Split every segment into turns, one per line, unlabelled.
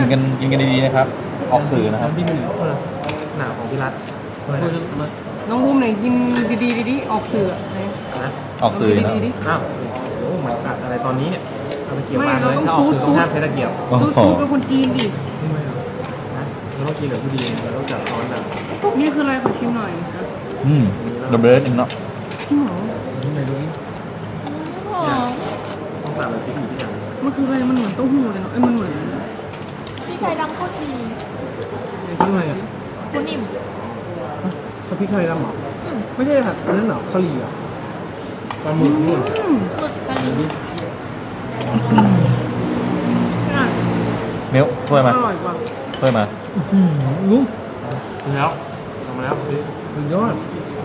กินกันดีๆนะครับออกสื่อนะครับ
พี่มันหนาของพี่รัต
น้องบูมไหนกินดีๆออกสื่อไหน
นะ
ออกสื่อนะ
ดี
อ้าวโอ้มันกัดอะไรตอนนี้เนี่ยเอาไปเกี่ยว
ไม่
วาง
เรา
เลย
ต้อง
ถ้าออกสื่อ
ซู ด
ต้องห้ามใช้ตะเกียบ
โอ้
ซู
โห
ดเป็นคนจีนดิ
ไม่หรอกนะเราต้องกินแบบผู้ดีเราต้องจับช้อนแบบ
นี่คืออะไรขอชิมหน่อยครับ
ดับเบิลเนาะ
จริงเหรอ
ไม่รู้ต้องสั่งแบบพริกหรือพริกอย่าง
มันคืออะไรมันเหมือนเต้าหู้เลยเนาะมันเหมือน
พี่ไทยดำโคตรดี
ข้างในอ่ะ
คุณนิ่ม
ถ้าพริกไทยดำหรอไม่ใช่ผัดอันนั้นหรอกะหรี่อ่ะปลาหมึกนู่น
หมึกกะหรี่
มิ้วช่วยมา
อร่อยกว่า
ช่วยมา
ลุงแล้วทำมาแล้วสุดยอด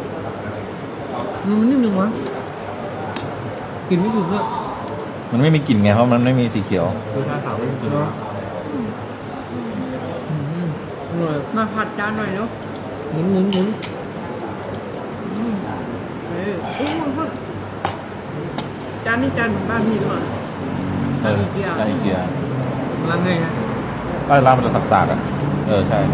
มันนิ่มจังวะกินไม่ถึงอ่ะ
มันไม่มีกลิ่นไงเพราะมันไม่มีสีเขียว
คือชาขาวไม่กินอร่อย
มาผัดจานหน่อยเนาะ
หมุน
โอ้โหจานนี้จานของบ้านพี่หรือเปล่า
เออใช่เกียร์
ร้านไงฮะ
ก็ร้านมันจะสักๆอ่ะใช่ใช่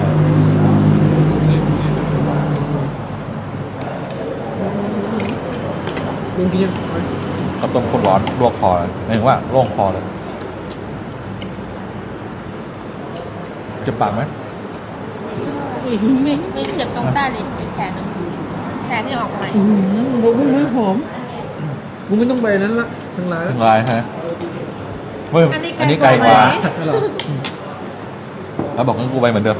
ลุงกินยัง
ข้าวต้มข้นร้อนลวกคอเลยหมายถึงว่าโล่งคอเลยเจ็บปากไหม
ไม่เจ็บตรงใต้เลยเป็นแผลนึงแผลที่ออกใหม่
บอกว่าไม่หอมกูไม่ต้องไปนั้นละทั้งร้าน
ทั้งลายฮะเฮ้ยอันนี้ไกลกว่าแล้วบอกงั้นกูไปเหมือนเดิม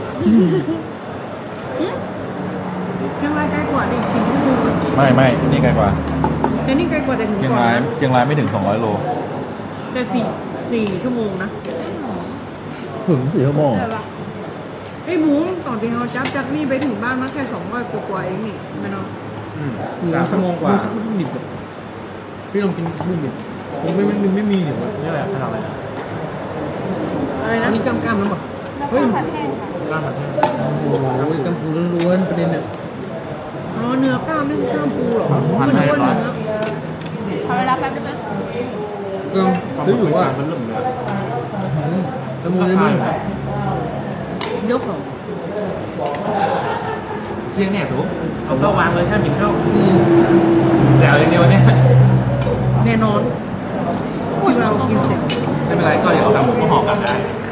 เชียงรายใกล้กว่าดิ4 ชั่วโมง
ไม่นี่ไกลกว่า
แต่นี่ไกลกว่าแต่ถึง
เชียง
ก่อน
ราย
นะ
เชียงรายไม่ถึง200 โล
แต่4 ชั่วโมงนะ
ถึง4 ชั่วโมง
ไอ้หมูตอนที่เราจับนี่ไปถึงบ้านมันแค่200 กว่าเองนี่ไม่เนาะ
3 ชั่วโมงกว่าบุ้มดิบพี่ลองกินบุ้มดิบผมไม่มีเดี๋ยวนี่อะไรขนาดอะไร
อะไรนะ
อันนี้กล้ามแล้วป่ะ
แล้วก็ผัดแห้งค่ะ
กล้ามผัดแห้งโอ้โหกล้ามปูล้วนๆประเด็นเนี่ย
อ๋อเนื้อกล้ามไม่ใช่กล้ามปูหรอ
ผัด
มัน
ให้
อ้วน
ร้อน
เนื้อ
ขอเวลาแป๊บนึงนะ
ก็รู้อยู่ว่ามันลุ่มเลยละมุนเลยมั้ง
ยกของ
เสียงเนี่ยถูกเอาเข้าวางเลยถ้าหมิ่นเข้าแซวอย่างเดียวเนี่ย
แน่นอนอุ้ยเรากินเสร็จ
ไม่เป็นไรก็เดี๋ยวเราทำหมูก็ห่อกลับได้